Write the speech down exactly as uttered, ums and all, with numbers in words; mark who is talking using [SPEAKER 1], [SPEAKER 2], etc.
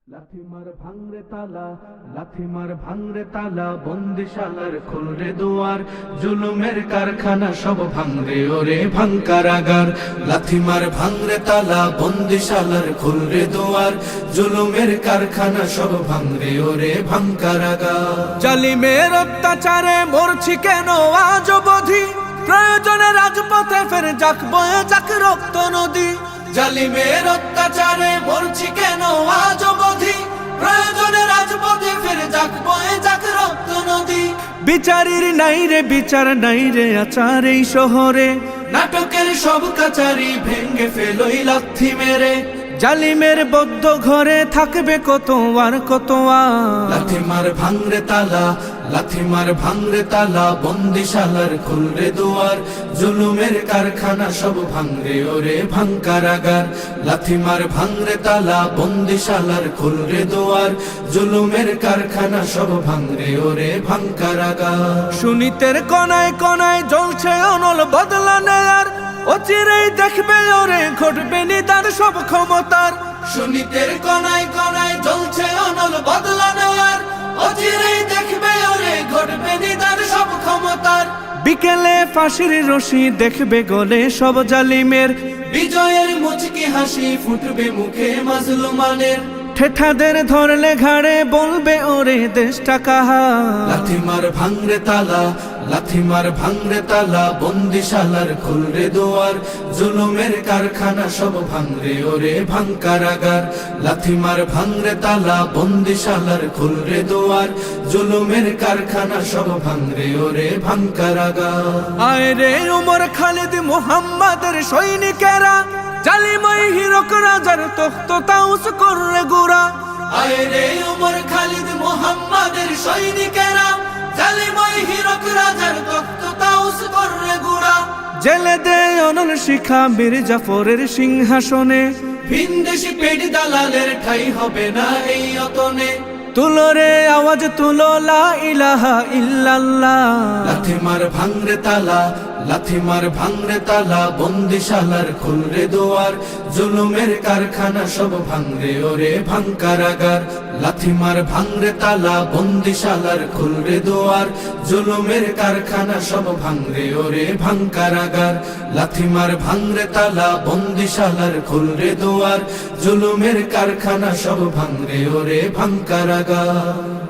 [SPEAKER 1] লাথি মার ভাঙরে তালা, লাথি মার ভাঙরে তালা, বন্দিশালার খুলরে দুয়ার, জুলুমের কারখানা সব ভাঙরে ওরে ভাঙ কারাগার। লাথি মার ভাঙরে তালা, বন্দিশালার খুলরে দুয়ার, জুলুমের কারখানা সব ভাঙরে ওরে ভাঙ কারাগার।
[SPEAKER 2] জালিমের অত্যাচারে মরছি কেন আজ অবধি, প্রয়োজনে রাজপথে ফের যাক বয়ে যাক রক্ত নদী।
[SPEAKER 1] জালিমের অত্যাচারে মরছি কেন আজ অবধি, প্রয়োজনে রাজপথে ফের যাক বয়ে যাক রক্ত নদী।
[SPEAKER 2] বিচারের নাই রে বিচার নাই রে আচার এই শহরে,
[SPEAKER 1] নাটকের সব কাচারি ভেঙ্গে ফেলোই লাথি মেরে।
[SPEAKER 2] জালিমের বদ্ধ ঘরে থাকবে কত আর কত আর।
[SPEAKER 1] লাথি মার ভাঙরে তালা, লাথি মার ভাঙরে তালা, বন্দিশালার খুলরে দুয়ার, জুলুমের কারখানা সব ভাঙরে ওরে ভাঙ কারাগার। লাথি মার ভাঙরে তালা, বন্দিশালার খুলরে দুয়ার, জুলুমের কারখানা সব ভাঙরে ওরে ভাঙ কারাগার।
[SPEAKER 2] সুনীতের কনায় কনায় জ্বলছে অনল বদলা নেয়ার, অচিরেই দেখবে ওরে ঘটবে নিদার সব ক্ষমতার।
[SPEAKER 1] সুনীতের কনায় কনায় জ্বলছে অনল বদলা নেওয়ার, অচিরেই দেখবে ওরে ঘটবে নিদার সব ক্ষমতার।
[SPEAKER 2] বিকেলে ফাঁসির রশি দেখবে গলে সব জালিমের,
[SPEAKER 1] বিজয়ের মুচকি হাসি ফুটবে মুখে মাজলুমানের।
[SPEAKER 2] ঠেঠাদের ধরলে ঘাড়ে বলবে ওরে দেশটা কাহার।
[SPEAKER 1] লাথি মার ভাঙরে তালা, লাথি মার ভাঙরে তালা, বন্দিশালার খুলরে দুয়ার, জুলুমের কারখানা সব ভাঙরে ওরে ভাঙ কারাগার। লাথি মার ভাঙরে তালা, বন্দিশালার খুলরে দুয়ার, জুলুমের কারখানা সব ভাঙরে ওরে ভাঙ কারাগার।
[SPEAKER 2] আয় রে উমর খালিদ মুহাম্মাদের সৈনিকেরা, জালিমাই হিরক রাজার তখ্ত তাউস কররে গুরা।
[SPEAKER 1] আয় রে উমর খালিদ মুহাম্মাদের সৈনিকেরা, জালিমাই হিরক রাজার তখ্ত তাউস কররে গুরা।
[SPEAKER 2] জেলে দে অনল শিখা বীর জাফরের সিংহাসনে,
[SPEAKER 1] ভিনদেশি পেট দালালের ঠাই হবে না এই অতনে।
[SPEAKER 2] তুলো রে আওয়াজ তুলো লা ইলাহা ইল্লাল্লাহ।
[SPEAKER 1] লাথি মার ভাঙরে তালা, লাথি মার ভাঙরে তালা, বন্দিশালার খুলরে দুয়ার, জুলুমের কারখানা সব ভাঙরে ওরে ভাঙ কারাগার। লাথি মার ভাঙরে তালা, বন্দিশালার খুলরে দুয়ার, জুলুমের কারখানা সব ভাঙরে ওরে ভাঙ কারাগার। লাথি মার ভাঙরে তালা, বন্দিশালার খুলরে দুয়ার, জুলুমের কারখানা সব ভাঙরে ওরে ভাঙ কারাগার।